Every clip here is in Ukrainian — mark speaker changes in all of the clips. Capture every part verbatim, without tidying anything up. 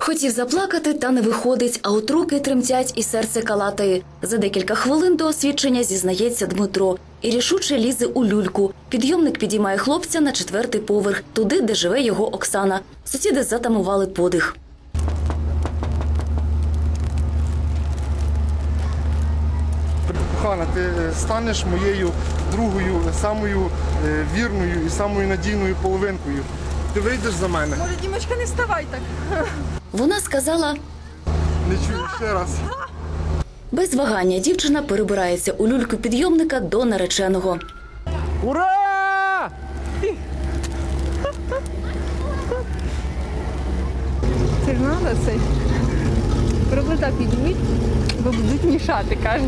Speaker 1: Хотів заплакати, та не виходить, а от руки тремтять і серце калатає. За декілька хвилин до освідчення зізнається Дмитро і рішуче лізе у люльку. Підйомник підіймає хлопця на четвертий поверх, туди, де живе його Оксана. Сусіди затамували подих.
Speaker 2: Кохана, ти станеш моєю другою, самою вірною і самою надійною половинкою. Ти вийдеш за мене?
Speaker 3: Може, Дімочка, не вставай так.
Speaker 1: Вона сказала...
Speaker 2: Не чую, ще раз.
Speaker 1: Без вагання дівчина перебирається у люльку підйомника до нареченого.
Speaker 4: Ура!
Speaker 3: Це ж треба цей. Провода підніміть, бо будуть мішати, каже.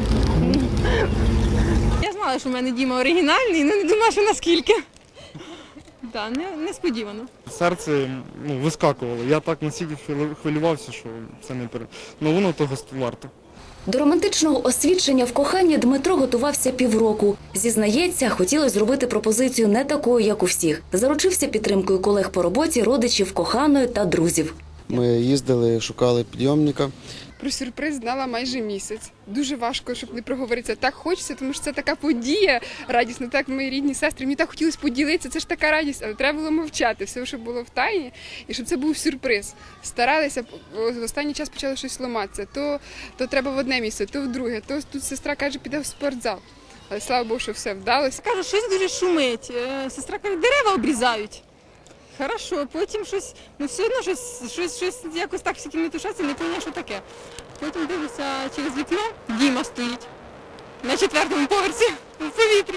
Speaker 3: Я знала, що в мене Діма оригінальний, але не думала, що наскільки. Так, не, несподівано.
Speaker 2: Серце ну, вискакувало. Я так настільки хвилювався, що це не пере... Ну воно того варто.
Speaker 1: До романтичного освідчення в коханні Дмитро готувався півроку. Зізнається, хотілося зробити пропозицію не такою, як у всіх. Заручився підтримкою колег по роботі, родичів, коханої та друзів.
Speaker 5: Ми їздили, шукали підйомника.
Speaker 6: Про сюрприз знала майже місяць. Дуже важко, щоб не проговоритися. Так хочеться, тому що це така подія радісна. Так, мої рідні сестри, мені так хотілося поділитися, це ж така радість, але треба було мовчати, все, що було в тайні, і щоб це був сюрприз. Старалися, в останній час почало щось ламатися. То, то треба в одне місце, то в друге, то тут сестра каже, піде в спортзал. Але слава Богу, що все вдалося.
Speaker 3: Кажу, щось дуже шумить. Е, Сестра каже, дерева обрізають. Хорошо, потім щось, ну все одно щось, щось, щось якось так всі кімнати тушаться, не пам'ятаю, що таке. Потім дивлюся через вікно, Діма стоїть на четвертому поверсі в повітрі.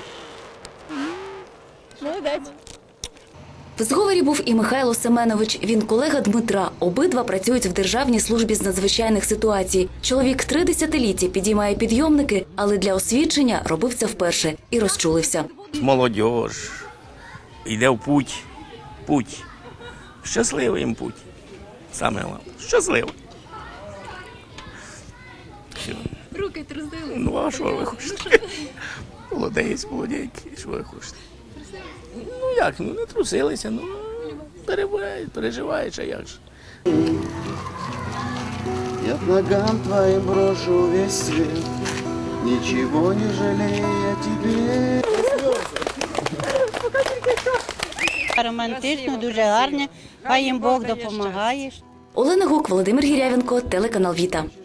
Speaker 3: Молодець.
Speaker 1: В зговорі був і Михайло Семенович. Він колега Дмитра. Обидва працюють в Державній службі з надзвичайних ситуацій. Чоловік три десятиліття підіймає підйомники, але для освідчення робив це вперше і розчулився.
Speaker 7: Молодіж йде в путь. Путь. Щасливий їм путь. Саме головне. Щасливий. Все.
Speaker 3: Руки трусили.
Speaker 7: Ну, а що ви хочете? Молодець, молоденький, що ви хочете? Ну, як, ну, не трусилися, ну, перебувають, переживають, а як же.
Speaker 5: Я к ногам твоим брошу весь свет, ничего не жалея тебе.
Speaker 8: Романтично, дуже гарне, хай їм Бог допомагає.
Speaker 1: Олена Гук, Володимир Гірявенко, телеканал Віта.